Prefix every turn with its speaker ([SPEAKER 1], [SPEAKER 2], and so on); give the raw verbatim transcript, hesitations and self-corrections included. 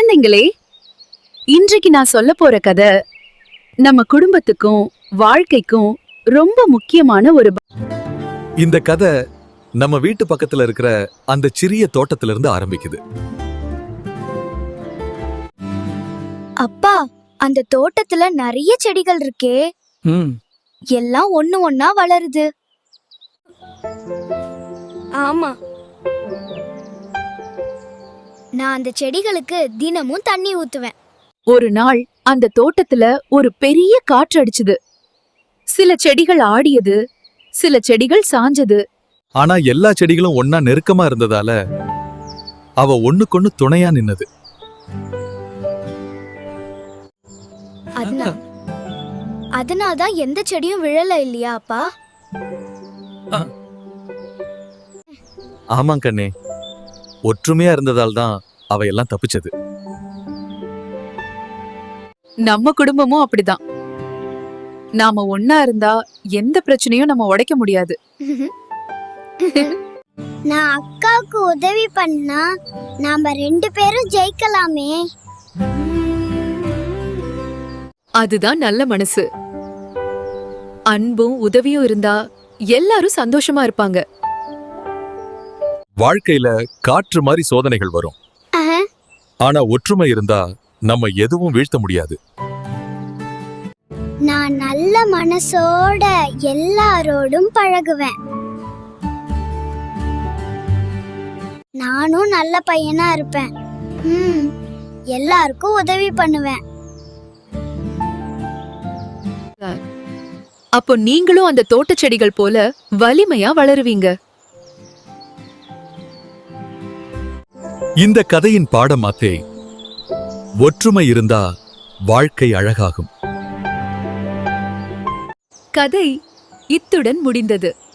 [SPEAKER 1] குழந்தைங்களே, இன்றைக்கு நான் சொல்ல போற கதை நம்ம குடும்பத்துக்கும் வாழ்க்கைக்கும் ரொம்ப முக்கியமான ஒரு ப-
[SPEAKER 2] இந்த கதை நம்ம வீட்டு பக்கத்துல இருக்கிற அந்த சிறிய தோட்டத்துல இருந்து ஆரம்பிக்குது.
[SPEAKER 3] அப்பா, அந்த தோட்டத்துல நிறைய செடிகள் இருக்கே. எல்லாம் ஒண்ணு ஒண்ணா வளருது. ஆமா, நான் அந்த செடிகளுக்கு தினமும் தண்ணி ஊத்துவேன்.
[SPEAKER 1] ஒரு நாள் அந்த தோட்டத்துல ஒரு பெரிய காற்று அடிச்சுது. சில செடிகள் ஆடியது, சில செடிகள் சாஞ்சது.
[SPEAKER 2] ஆனா எல்லா செடிகளும் ஒன்னா நெருக்கமா இருந்ததால அவ ஒண்ணுக்கொண்ணு துணையா நின்னது.
[SPEAKER 3] அதனால அதனால்தான் எந்த செடியும் விழல இல்லையா அப்பா?
[SPEAKER 2] ஆமாம் கண்ணே, ஒற்றுமையா இருந்ததால் தான் அவ எல்லாம் தப்பிச்சது.
[SPEAKER 1] நம்ம குடும்பமும் அப்படிதான். நாம ஒன்னா இருந்தா எந்த பிரச்சனையும் நம்ம உடைக்க முடியாது.
[SPEAKER 3] நான் அக்காவுக்கு உதவி பண்ணா நாம ரெண்டு பேரும் ஜெயிக்கலாமே.
[SPEAKER 1] அதுதான் நல்ல மனசு. அன்பும் உதவியும் இருந்தா எல்லாரும் சந்தோஷமா இருப்பாங்க.
[SPEAKER 2] வாழ்க்கையில காற்று மாதிரி சோதனைகள் வரும். ஆனா ஒற்றுமை இருந்தா நம்ம எதுவும் வீழ்த்த முடியாது.
[SPEAKER 3] நான் நல்ல மனசோட எல்லாரோடும் பழகுவேன். நானும் நல்ல பையனா இருப்பேன். ம், எல்லாருக்கும் உதவி பண்ணுவேன்.
[SPEAKER 1] அப்போ நீங்களும் அந்த தோட்ட செடிகள் போல வலிமையா வளருவீங்க.
[SPEAKER 2] இந்த கதையின் பாடமாத்தே, ஒற்றுமை இருந்தா வாழ்க்கை அழகாகும்.
[SPEAKER 1] கதை இத்துடன் முடிந்தது.